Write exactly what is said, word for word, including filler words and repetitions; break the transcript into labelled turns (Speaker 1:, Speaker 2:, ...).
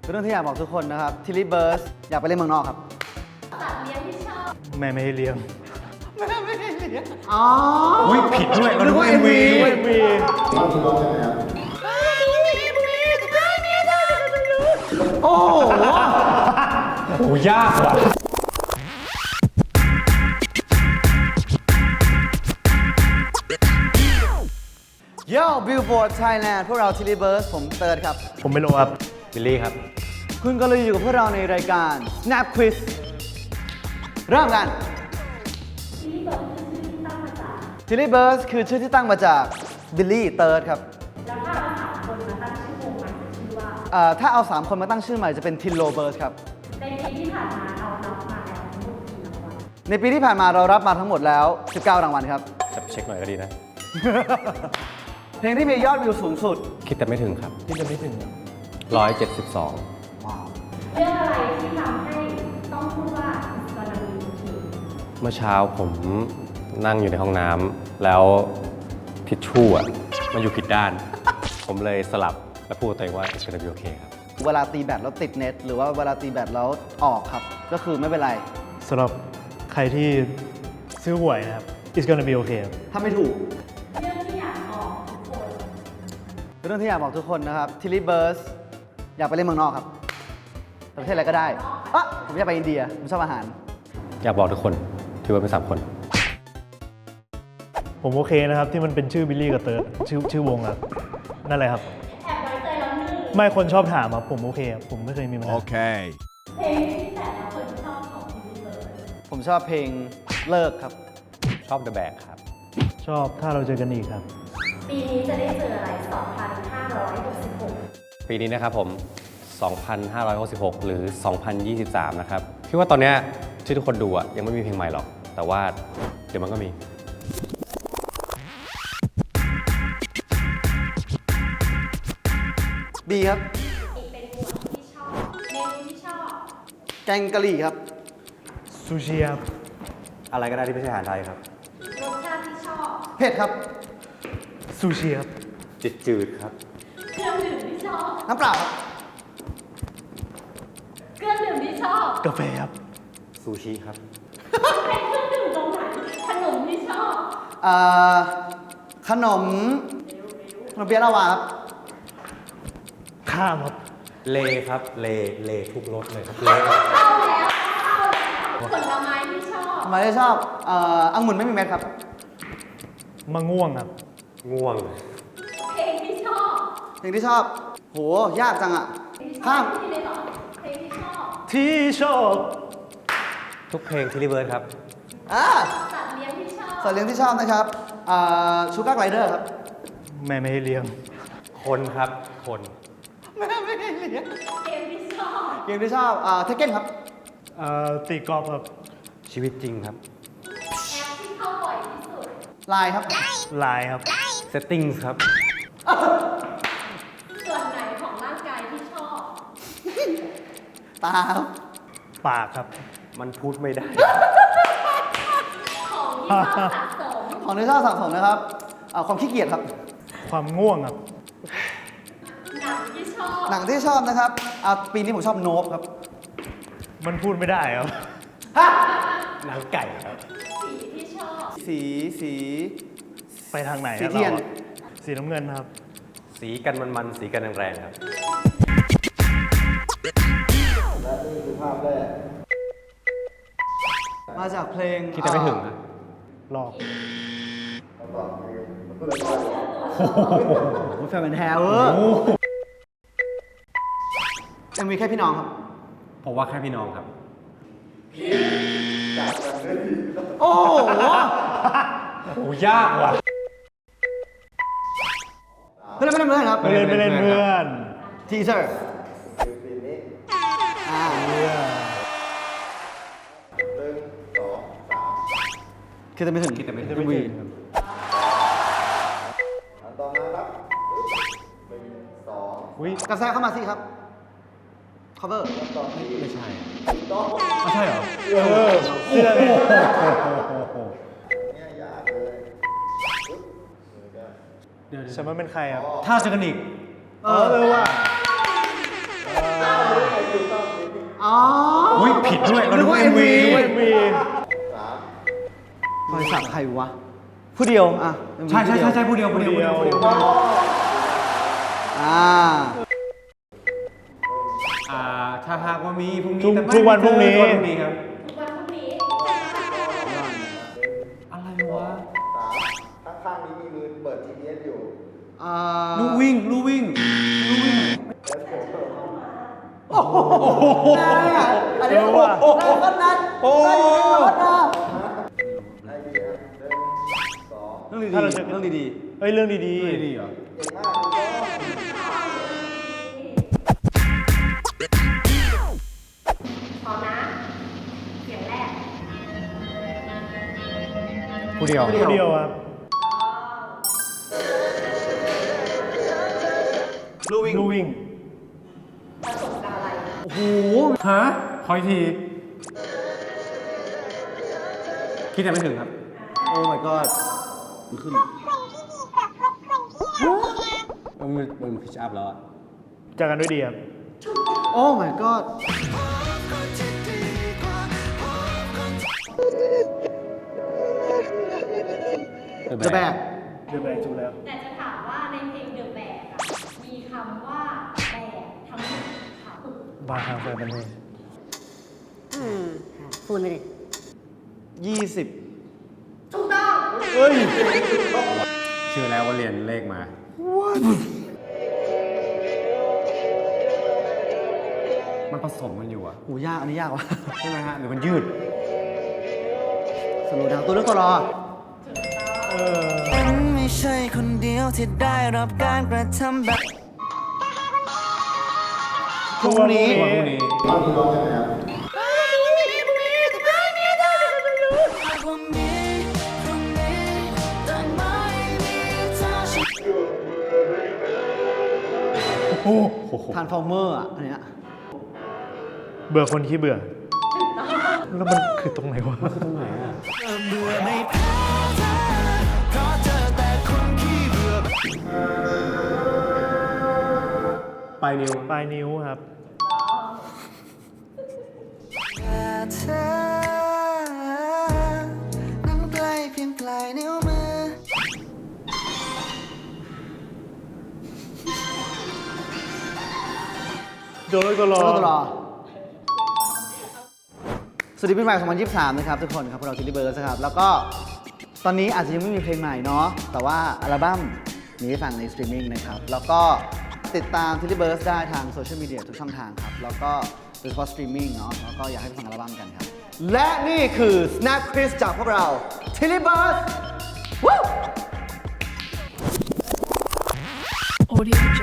Speaker 1: เป็นเรื่องที่อยากบอกทุกคนนะครับทิลลี่เบิร์สอยากไปเล่นเมืองนอกครับ
Speaker 2: สัตว์เลี้ยงที่ชอบ
Speaker 3: แม่ไม่ให้เลี้ยง
Speaker 1: แม่ไม่ให้เลี้ยงอ๋อ
Speaker 3: อุ้ยผิดด้วยมันด้วยเอ็มวีเอ็มวี
Speaker 1: โอ้โห
Speaker 3: โอ้ยากว่ะ
Speaker 1: โย่บิลบอร์ดไทยแลนด์พวกเราทิลลี่เบิร์สผมเติร์ดครับ
Speaker 3: ผมไม่รู้ครับบิลลี่ครับ
Speaker 1: คุณก็เลยอยู่กับพวกเราในรายการ Snap Quiz เริ่มกันทิลลี่เบิร์สคือชื่อที่ตั้งมาจากบิลลี่เติร์ดครับแล้วถ้าเอาสามคนมาตั้งชื่อวงใหม่จะชื่อว่าถ้าเอาสามคนมาตั้งชื่อใหม่จะเป็นทิลโลเบิร์สครับในปีที่ผ่านมาเรารับมาแล้วทั้งหมดกี่รางวัลในปีที่ผ่านมาเรารับมาทั้งหมดแล้วสิบเก้ารางวัลครับ
Speaker 3: จะเช็คหน่อยก็ดีนะ
Speaker 1: เพลงที่มียอดวิวสูงสุด
Speaker 3: คิดแต่ไม่ถึงครับ
Speaker 1: คิดแต่ไม่ถึง
Speaker 3: ร้อยเจ็ดสิบสอง
Speaker 2: เรื่องอะไรที่ทำให้ต้องพูดว่าสารมี
Speaker 3: เมื่อเช้าผมนั่งอยู่ในห้องน้ำแล้วทิชชู่อ่ะมันอยู่ผิดด้าน ผมเลยสลับแล้วพูดตัวเองว่า it's gonna be okay ครับ
Speaker 1: เวลาตีแบตแล้วติดเน็ตหรือว่าเวลาตีแบตแล้วออกครับก็คือไม่เป็นไร
Speaker 3: สำหรับใครที่ซื้อหวยนะครับ it's gonna be okay
Speaker 1: ถ้าไม่ถูก
Speaker 2: เรื่องที่อยากบอกทุกคน
Speaker 1: เรื่องที่อยากบอกทุกคนนะครับทิลลี่เบิร์สอยากไปเล่นเมืองนอกครับประเทศอะไรก็ได้อ่ะผมอยากไปอินเดียผมชอบอาหาร
Speaker 3: อยากบอกทุกคนที่ว่าเป็นสามคนผมโอเคนะครับที่มันเป็นชื่อบิลลี่กับเติร์ดชื่อชื่อวงครับนั่นแหละครับ
Speaker 2: แอบไว้ใจแล้วนี่
Speaker 3: ไม่คนชอบถามครับผมโอเคครับผมไม่เคยมีปัญหา
Speaker 1: โอเค
Speaker 2: เพลงที่แต่ละคนชอบของทิลลี่เบิร์ส
Speaker 1: ผมชอบเพลงเลิกครับ
Speaker 3: ชอบ The Bag ครับชอบถ้าเราเจอกันอีกครับ
Speaker 2: ปีนี้จะได้เจออะไรสองพันห้าร้อยหกสิบหก
Speaker 3: ปีนี้นะครับผมสองพันห้าร้อยหกสิบหก หรือ สองพันยี่สิบสาม นะครับคิดว่าตอนนี้ที่ทุกคนดูอ่ะยังไม่มีเพลงใหม่หรอกแต่ว่าเดี๋ยวมันก็มี
Speaker 1: บีครับ
Speaker 2: อีกเป็นหมวดที่ชอบเมนูที่ชอบ
Speaker 1: แกงกะหรี่ครับ
Speaker 3: ซูชิครับอะไรก็ได้ที่ไม่ใช่อาหารไทยครับ
Speaker 2: รสชาติที่ชอบ
Speaker 1: เผ็ดครับ
Speaker 3: ซูชิครับจืดจืดครับ
Speaker 2: เครื่องดื่มที่ชอบ
Speaker 1: น้ำเปล่าครับ
Speaker 2: เครื่องดื่มที่ชอบ
Speaker 3: กาแฟครับซูชิครับ
Speaker 2: เป็นเครื่องดื่มตรงไหนขนมที่ชอบ
Speaker 1: อ่าขนมขนมเปี๊ยะลาวาครับ
Speaker 3: ข้ามครับเลครับเลเลทุกรสเลยครับเล
Speaker 2: เข้าแล้วผลไม้ที่ชอบ
Speaker 1: ผลไม้ที่ชอบเอ่อองุ่นไม่มีเม็ดครับ
Speaker 3: มะง่วงครับง่วง
Speaker 2: เพลงที่ชอบ
Speaker 1: เพลงที่ชอบโหยากจังอ่ะข้าม
Speaker 2: ที่เลยหรอเพลงที่ชอบ
Speaker 3: ที่ชอบทุกเพลงทิลลี่เบิร์ดครับ
Speaker 1: อ่า
Speaker 2: สัตว์เลี้ยงที่ชอบ
Speaker 1: สัตว์เลี้ยงที่ชอบนะครับอ่าชูการ์ไกลเดอร์ครับ
Speaker 3: แม่ไม่ให้เลี้ยงคนครับคน
Speaker 1: แม่ไม่ให้เลี้ยง
Speaker 2: เกมที่ชอบ
Speaker 1: เกมที่ชอบอ่าเทคเก้นครับ
Speaker 3: อ่าตีกอล์ฟครับชีวิตจริงครับ
Speaker 2: แอปที่เข้าบ่อยที่สุด
Speaker 1: ไลน์ครับ
Speaker 3: ไลน์ครับ settings ครับ
Speaker 2: ส่วนไหนของร่างกายที่ชอบ
Speaker 1: ตาครับ
Speaker 3: ปากครับมันพูดไม่ได้
Speaker 2: ของที่ชอบสะสม
Speaker 1: ของที่ชอบสะสมนะครับความขี้เกียจครับ
Speaker 3: ความง่วงครับ
Speaker 2: หนังที่ชอบ
Speaker 1: หนังที่ชอบนะครับปีนี้ผมชอบโนบครับ
Speaker 3: มันพูดไม่ได้ครับหนังไก่ครับ
Speaker 2: สีที่ชอบ
Speaker 1: สีสี
Speaker 3: ไปทางไหน
Speaker 1: สีเทียน
Speaker 3: สีน้ำเงินครับสีกันมันๆสีกันแรงๆครับ
Speaker 1: และนี่คือภาพแรกมาจากเพลง
Speaker 3: คิดแต่ไม่ถึงนะหลอก
Speaker 1: โอ้โหแฟนเป็นแฮร์เวอร์ยังมีแค่พี่น้องครับ
Speaker 3: ผมว่าแค่พี่น้องครับ
Speaker 1: โอ้โห
Speaker 3: โอ้ยากว่ะ
Speaker 1: ไม่เล่นไม่เล่นเพื่อนครับ
Speaker 3: ไม่เล่นไม่เล่นเพื่อน
Speaker 1: ทีเซอร์อ่าคิดแต่ไม่ถึง
Speaker 3: คิดแต่ไม่ถึง
Speaker 1: ต่อมาครับหนึ่งสองกระแสเข้ามาสิครับ cover
Speaker 3: ไม่ใช่ไม่ใช่เหรอเออเนี่ยยากเลยเดี๋ยวฉันว่าเป็นใครครับถ้าเจอกันอีกเออเออว่ะ
Speaker 1: อ๋อ
Speaker 3: อุ้ยผิดด้วยเรา
Speaker 1: นึ
Speaker 3: ดู
Speaker 1: กว่า
Speaker 3: เอ็มวี
Speaker 1: เอ็มวีรอยสักใครวะ ผู้เดียวอ่ะ เอ็มวี
Speaker 3: ใช่ใช่ใช่ใช่ผู้เดียวผู้เดียวผู้เดียวผู้เดียว
Speaker 1: อ่า
Speaker 3: อ่าถ้าหากว่ามีพรุ่งนี้
Speaker 4: ทุก
Speaker 3: แต่ไม่
Speaker 4: ทุกวันพรุ่งนี้
Speaker 3: ทุกวันพรุ่งนี้ครับ
Speaker 2: ทุกวันพรุ่งนี้
Speaker 3: อะไรวะ
Speaker 5: ข้างๆนี้มีมือเปิด จี พี เอส อยู่
Speaker 1: อ่า
Speaker 3: ลู่วิ่งลู่วิ่งลู่วิ่ง
Speaker 1: อันนี้โอ้โหได้ก็นัด
Speaker 3: โอ้
Speaker 1: ได้อยู่ในรถนะ
Speaker 5: ไอเดียหนึ่งสอง
Speaker 1: เรื่องดี
Speaker 4: ถ้าเราจะ
Speaker 1: ๆเรื่องดี
Speaker 4: เอ้ยเรื่องดี
Speaker 3: ดีดีเหรอ
Speaker 5: เก่งมากคุณพ่อ
Speaker 2: พร้อมนะ เสียงแรก
Speaker 3: ผู้เดียว
Speaker 4: ๆผู้เดียวครับ
Speaker 1: ลู่วิ่ง
Speaker 4: ลู่วิ่ง
Speaker 2: ประสบการณ์อะไร
Speaker 1: โอ้โห
Speaker 3: ฮะคอยที คิดแต่ไม่ถึงครับ
Speaker 1: โอ้ my god มันขึ้น
Speaker 3: มันมันพิชอัพแล้วอะ
Speaker 4: จากกันด้วยดีครับ
Speaker 1: โอ้ my god จะแบก
Speaker 4: เดือดแบกจุแล้ว
Speaker 2: แต่จะถามว่าในเพลงเดอะแบกอะมีคำว่าแบกทั้งหมดค่ะ
Speaker 4: บาร์ทางแฟนเป็นเพลง
Speaker 6: อืมค่ะพูดไม่ได้
Speaker 1: ยี่สิบ
Speaker 2: ถูกต้อง
Speaker 4: เฮ้ย
Speaker 3: เชื่อแล้วว่าเรียนเลขมา มันผสมกันอยู่อะ
Speaker 1: โหยาก อันนี้ยากวะ
Speaker 3: ใช่ไหมฮะหรือมันยืด
Speaker 1: สโลว์ดาวน์ตัวเลือกตัวรอ
Speaker 4: เออ
Speaker 7: ฉันไม่ใช่คนเดียวที่ได้รับการกระทำแบบ
Speaker 1: พรุ่งนี้
Speaker 3: พรุ่งนี้
Speaker 5: ตอนนี้ร้องยังไงครับ
Speaker 7: พรุ่งนี้พรุ่งนี้แต่ไม่มีเธอฉัน
Speaker 4: โอ้
Speaker 1: ทานฟอร์เมอร์อ่ะ อันเนี้ย
Speaker 4: เบื่อคนขี้เบื่อ แล้วมันคือตรงไหนวะ
Speaker 3: ตรงไหนอะ
Speaker 7: เบื่อไม่แพ้เธอเพราะเจอแต่คนขี้เบื่อ
Speaker 3: ปลายนิ้ว
Speaker 4: ปลายนิ้วครับ
Speaker 7: แต่เธอนั้นใกล้เพียงปลายนิ้วมือ
Speaker 4: โดนแล้วก็รอ
Speaker 1: ตัวเลือกตัวรอ สวัสดีปีใหม่ สองพันยี่สิบสาม นะครับทุกคนครับพวกเราทิลลี่เบิร์ดนะครับ แล้วก็ตอนนี้อาจจะยังไม่มีเพลงใหม่เนาะ แต่ว่าอัลบั้มมีให้ฟังในสตรีมมิ่งนะครับ แล้วก็ติดตามทิลลี่เบิร์ดได้ทางโซเชียลมีเดียทุกช่องทางครับ แล้วก็โดยเฉพาะสตรีมมิ่งเนาะ แล้วก็อยากให้ไปฟังอัลบั้มกันครับ และนี่คือ Snap Quiz จากพวกเราทิลลี่เบิร์ด
Speaker 8: Audio